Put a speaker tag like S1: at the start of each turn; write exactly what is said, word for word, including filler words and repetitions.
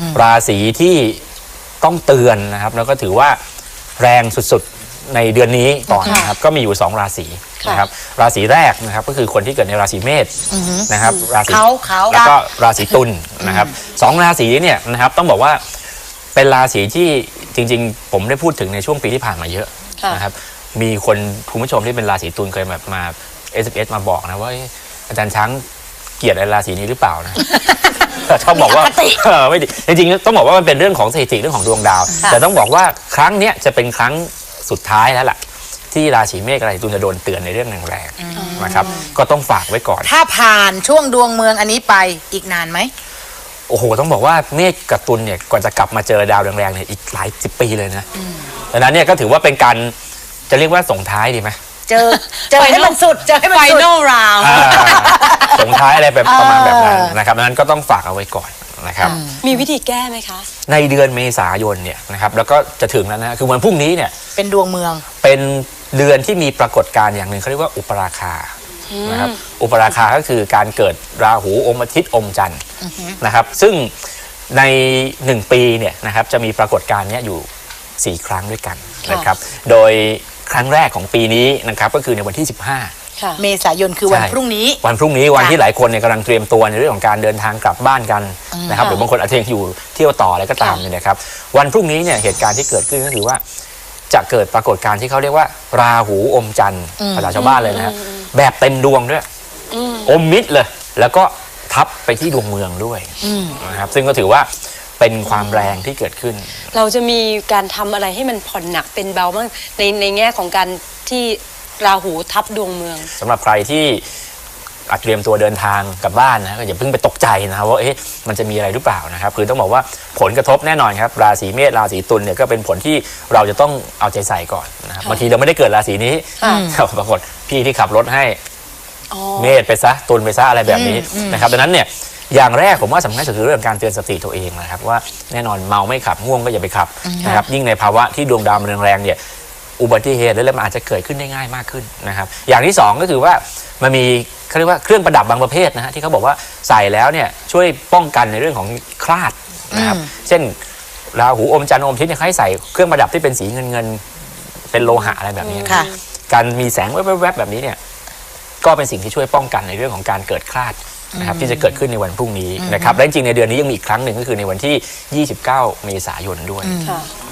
S1: ราศีที่ต้องเตือนนะครับแล้วก็ถือว่าแรงสุดๆในเดือนนี้ก่อนนะครับก็มีอยู่สองราศีนะครับราศีแรกนะครับก็คือคนที่เกิดในราศีเมษนะครับราศีแล้วก็ราศีตุลนะครับสองราศีเนี่ยนะครับต้องบอกว่าเป็นราศีที่จริงๆผมได้พูดถึงในช่วงปีที่ผ่านมาเยอะนะครับมีคนคุณผู้ชมที่เป็นราศีตุลเคยแบบมา เอส เอ็ม เอส มาบอกนะว่าอาจารย์ช้างเกลียดราศีนี้หรือเปล่านะชอบบอกว่าไม่ดีจริงๆต้องบอกว่ามันเป็นเรื่องของสถิติเรื่องของดวงดาวแต่ต้องบอกว่าครั้งนี้จะเป็นครั้งสุดท้ายแล้วล่ะที่ราศีเมษราศีตุลจะโดนเตือนในเรื่องแรงๆนะครับก็ต้องฝากไว้ก่อน
S2: ถ้าผ่านช่วงดวงเมืองอันนี้ไปอีกนานไหม
S1: โอ้โหต้องบอกว่าเมษกับตุลเนี่ยก่อนจะกลับมาเจอดาวแรงๆเนี่ยอีกหลายสิบปีเลยนะดังนั้นเนี่ยก็ถือว่าเป็นการจะเรียกว่าส่งท้ายดีไหม
S2: เจอเจอให้มันสุดเจอให้มันสุด
S3: Final round
S1: ส่งท้ายอะไรแบบประมาณแบบนั้นนะครับดังนั้นก็ต้องฝากเอาไว้ก่อนนะครับ
S3: มีวิธีแก้ไหมคะ
S1: ในเดือนเมษายนเนี่ยนะครับแล้วก็จะถึงแล้วนะคือวันพรุ่งนี้เนี่ย
S2: เป็นดวงเมือง
S1: เป็นเดือนที่มีปรากฏการณ์อย่างหนึ่งเขาเรียกว่าอุปราคานะครับอุปราคาก็คือการเกิดราหูอมอาทิตย์อมจันทร์นะครับซึ่งในหนึ่งปีเนี่ยนะครับจะมีปรากฏการณ์นี้อยู่สี่ครั้งด้วยกันนะครับโดยครั้งแรกของปีนี้นะครับก็คือในวันที่สิบห้า
S2: เมษายนคือวันพรุ่งนี้
S1: วันพรุ่งนี้วันที่หลายคนเนี่ยกำลังเตรียมตัวในเรื่องของการเดินทางกลับบ้านกันนะครับหรือบางคนอาจจะอยู่เที่ยวต่ออะไรก็ตามเนี่ยนะครับวันพรุ่งนี้เนี่ยเหตุการณ์ที่เกิดขึ้นก็คือว่าจะเกิดปรากฏการณ์ที่เขาเรียกว่าราหูอมจันทร์ภาษาชาวบ้านเลยนะฮะแบบเต็มดวงด้วยอมมิดเลยแล้วก็ทับไปที่ดวงเมืองด้วยนะครับซึ่งก็ถือว่าเป็นความแรงที่เกิดขึ้น
S3: เราจะมีการทำอะไรให้มันผ่อนหนักเป็นเบาบ้างในในแง่ของการที่ราหูทับดวงเมือง
S1: สำหรับใครที่เตรียมตัวเดินทางกลับบ้านนะก็อย่าเพิ่งไปตกใจนะครับว่าเอ๊ะมันจะมีอะไรหรือเปล่านะครับคือต้องบอกว่าผลกระทบแน่นอนครับราศีเมษราศีตุลเนี่ยก็เป็นผลที่เราจะต้องเอาใจใส่ก่อนนะครับบางทีเราไม่ได้เกิดราศีนี้ปรากฏพี่ที่ขับรถให้เมษไปซะตุลไปซะอะไรแบบนี้นะครับดังนั้นเนี่ยอย่างแรกผมว่าสำคัญสุดคือเรื่องการเตือนสติตัวเองนะครับว่าแน่นอนเมาไม่ขับง่วงก็อย่าไปขับนะครับยิ่งในภาวะที่ดวงดาวมันแรงๆเนี่ยอุบัติเหตุและมันอาจจะเกิดขึ้นได้ง่ายมากขึ้นนะครับอย่างที่สองก็คือว่ามันมีเขาเรียกว่าเครื่องประดับบางประเภทนะฮะที่เขาบอกว่าใส่แล้วเนี่ยช่วยป้องกันในเรื่องของคลาดนะครับเช่นราหูอมจันทร์อมอาทิตย์เนี่ยให้ใส่เครื่องประดับที่เป็นสีเงินเงินเป็นโลหะอะไรแบบนี้นะการมีแสงแวบๆแบบนี้เนี่ยก็เป็นสิ่งที่ช่วยป้องกันในเรื่องของการเกิดคลาดนะครับที่จะเกิดขึ้นในวันพรุ่งนี้นะครับและจริงๆในเดือนนี้ยังมีอีกครั้งหนึ่งก็คือในวันที่ยี่สิบเก้าเมษายนด้วย